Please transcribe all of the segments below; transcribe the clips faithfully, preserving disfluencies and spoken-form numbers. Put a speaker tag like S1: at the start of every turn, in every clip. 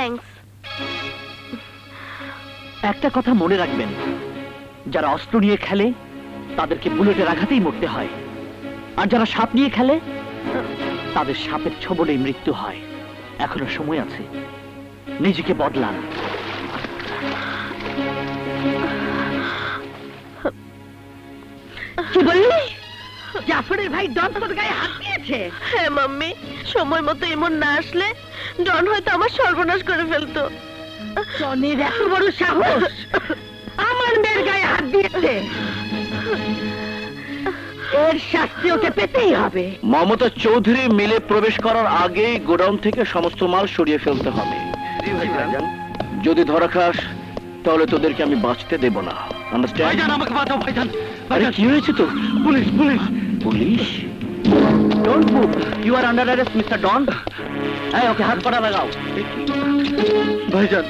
S1: Thanks.
S2: একটা কথা মনে রাখবেন, যারা অস্ত্র নিয়ে খেলে তাদেরকে বুলেটের আঘাতেই মরতে হয়, আর যারা সাপ নিয়ে খেলে তাদের সাপের ছোবলেই মৃত্যু হয়। এখনো সময় আছে, নিজেকে বদলান।
S1: কি বললি? জাফরের ভাই ডন তোর গায়ে হাত দিয়েছে? হ্যাঁ মাম্মি, সময় মতো এমন না আসলে ডন হয়তো আমার সর্বনাশ করে ফেলতো। ডনের এত বড় সাহস আমার মেয়ের গায়ে হাত দিয়েছে, এর শাস্তি ওকে পেতেই হবে।
S2: মমতা চৌধুরী মিলে প্রবেশ করার আগেই গোডাউন থেকে সমস্ত মাল সরিয়ে ফেলতে হবে। যদি ধরা খাস তাহলে তোদেরকে আমি বাঁচতে দেব না। আন্ডারস্ট্যান্ড? আমাকে বাঁচাও ভাইজান। আরে কি হয়েছে তো? Police police police don't move, you are under arrest mister Don. এই ওকে হাত করা লাগাও। ভাইজান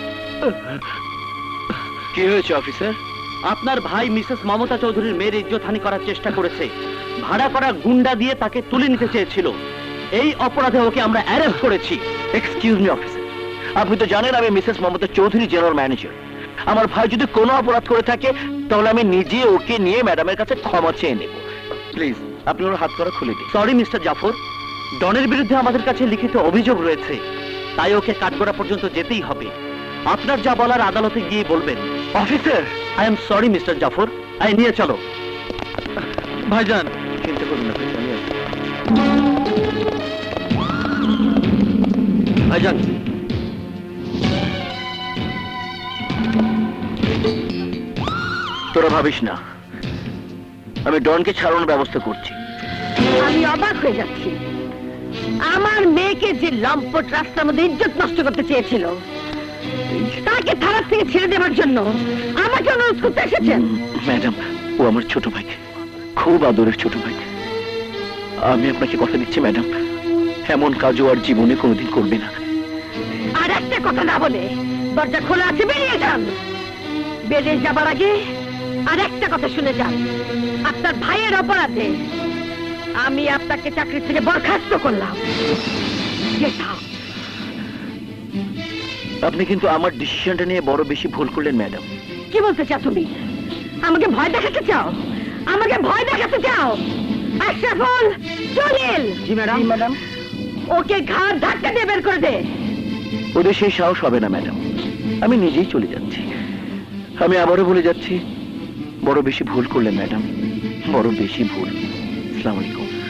S2: কি হয়েছে অফিসার? আপনার ভাই মিসেস মমতা চৌধুরীর মেয়ের ইজ্জতহানি করার চেষ্টা করেছে। ভাড়া করা গুন্ডা দিয়ে তাকে তুলে নিতে চেয়েছিল। এই অপরাধে ওকে আমরা অ্যারেস্ট করেছি। এক্সকিউজ মি অফিসার, আপনি তো জানেন আমি Mrs Mamata Chowdhury general manager. আমার ভাই যদি কোনো অপরাধ করে থাকে তাহলে আমি নিজে ওকে নিয়ে ম্যাডামের কাছে ক্ষমা চেয়ে নেব। প্লিজ আপনি ওর হাত করা খুলে দিন। সরি মিস্টার জাফর, ডনের বিরুদ্ধে আমাদের কাছে লিখিত অভিযোগ রয়েছে, তাই ওকে কাঠগড়া পর্যন্ত যেতেই হবে। আপনার যা বলার আদালতে গিয়ে বলবেন। Officer I am sorry mister Jafar, আই নিয়ে চলো। ভাইজান চিন্তা করুন না, ভাইজান। তোরা ভাবিস না, আমি ডনকে ছাড়ানোর ব্যবস্থা করছি।
S1: আমি অবাক হয়ে যাচ্ছি, আমার মেয়েকে যে লম্পট রাস্তার মধ্যে ইজ্জত নষ্ট করতে চেয়েছিল তাকে থানার থেকে ছেড়ে দেওয়ার জন্য আমাকে অনুরোধ করতে এসেছেন?
S2: ম্যাডাম, ও আমার ছোট ভাই, খুব আদরের ছোট ভাই। আমি আপনাকে কথা দিচ্ছি ম্যাডাম, এমন কাজও আর জীবনে কোনোদিন করবে না।
S1: আর একটা কথা না বলে দরজা খোলা আছে, বেরিয়ে যান। বেরিয়ে যাবার আগে আর একটা কথা শুনে যান, আপনার ভাইয়ের অপরাধে আমি আপনাকে চাকরি থেকে বরখাস্ত করলাম।
S2: আপনি কিন্তু আমার ডিসিশনটা নিয়ে বড় বেশি ভুল করলেন ম্যাডাম।
S1: কি বলতে চাও তুমি? আমাকে ভয় দেখাতে চাও? আমাকে ভয় দেখাতে চাও? আশরাফুল, জলিল।
S2: জি ম্যাডাম। ম্যাডাম
S1: ওকে ঘাড় ধাক্কা দিয়ে বের করে দে।
S2: ওদের সেই সাহস হবে না ম্যাডাম, আমি নিজেই চলে যাচ্ছি। আমি আবারও বলে যাচ্ছি, বড় বেশি ভুল করলেন ম্যাডাম, বড় বেশি ভুল। আসসালামু আলাইকুম।